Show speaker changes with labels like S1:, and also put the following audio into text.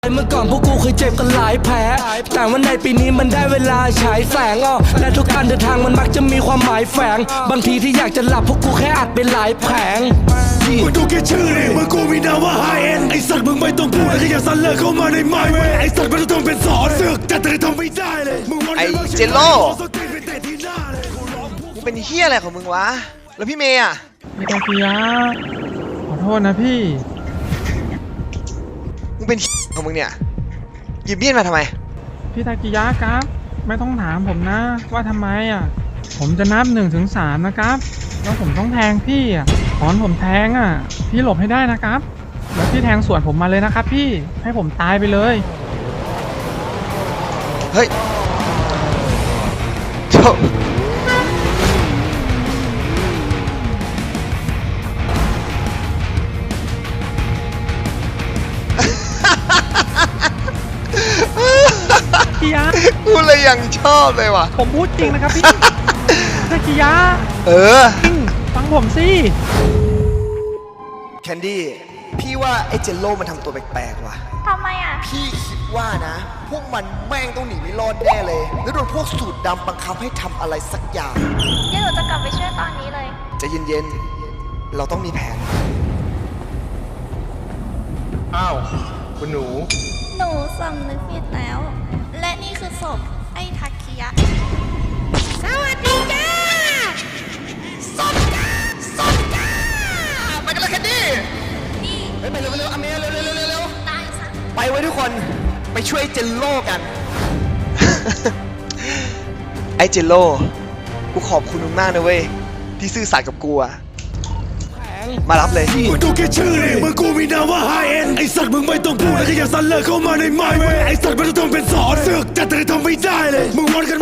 S1: เมื่อก่อนพวกกูเคยเจ็บกันหลายแผลแต่ว่าในปีนี้มันได้เวลาฉายแสงและทุกการเดินทางมันมักจะมีความหมายแฝงบางทีที่อยากจะหลับพวกกูแค่อัดเป็นหลายแผง
S2: มึงดูแค่ชื่อดิมึงกูมีนามว่าไฮเอ็นไอสัตว์มึงไม่ต้องพูดแค่อย่าสั่นเลิกเข้ามาในไมเวไอสัตว์ไม่ต้องเป็นสอนเสือกแต่ทำไม่ได้เลย
S3: ไอเจโร่มึงเป็นเฮียอะไรของมึงวะแล้วพี่เมย์อะ
S4: พี่ตากิยะขอโทษนะพี่
S3: มึงเป็นของมึงเนี่ยหยิบมีดมาทำไม
S4: พี่ตากิยะครับไม่ต้องถามผมนะว่าทำไมผมจะนับ1 ถึง 3นะครับแล้วผมต้องแทงพี่ตอนผมแทงพี่หลบให้ได้นะครับแล้วพี่แทงสวนผมมาเลยนะครับพี่ให้ผมตายไปเลย
S3: เฮ้ยจบ
S4: กิยะ
S3: กูเลยยังชอบเลยว่ะ
S4: ผมพูดจริงนะครับพี่ตากิยะจริงฟังผมสิ
S3: แคนดี้พี่ว่าไอ้เจโร่มันทำตัวแปลกๆว่ะ
S5: ทำไม
S3: พี่คิดว่านะพวกมันแม่งต้องหนีไม่รอดแน่เลยแล้วโดนพวกสูตรดำบังคับให้ทำอะไรสักอย่าง
S5: เดี๋ยวหนูจะกลับไปช่วยตอนนี้เลย
S3: ใจเย็นๆเราต้องมีแผน
S6: อ้าวคุณหนู
S5: สำนึกผิดแล้วและนี่คือศพไอ้ทักคิยะสวัสดีจ้าศพจ้า
S3: ไปกันเลยแคนดี้
S5: นี่
S3: ไปเร็วอเมย์เร็ว
S5: ตายซะ
S3: ไปไว้ทุกคนไปช่วยเจนโล่กัน ไอ้เจนโล่กูขอบคุณมึงมากนะเว้ยที่ซื่อสัตย์กับกูมารับเลย
S2: มึงดูแค่ชื่อดิมึงกูมีนามว่าไฮเอ็นไอสัตว์มึงไม่ต้องพูดแค่อย่าสั่นเลิกเข้ามาในไมเวไอสัตว์ไม่ต้องเป็นสอนเสือกแต่ทำไม่ได้เลยมึงวันกัน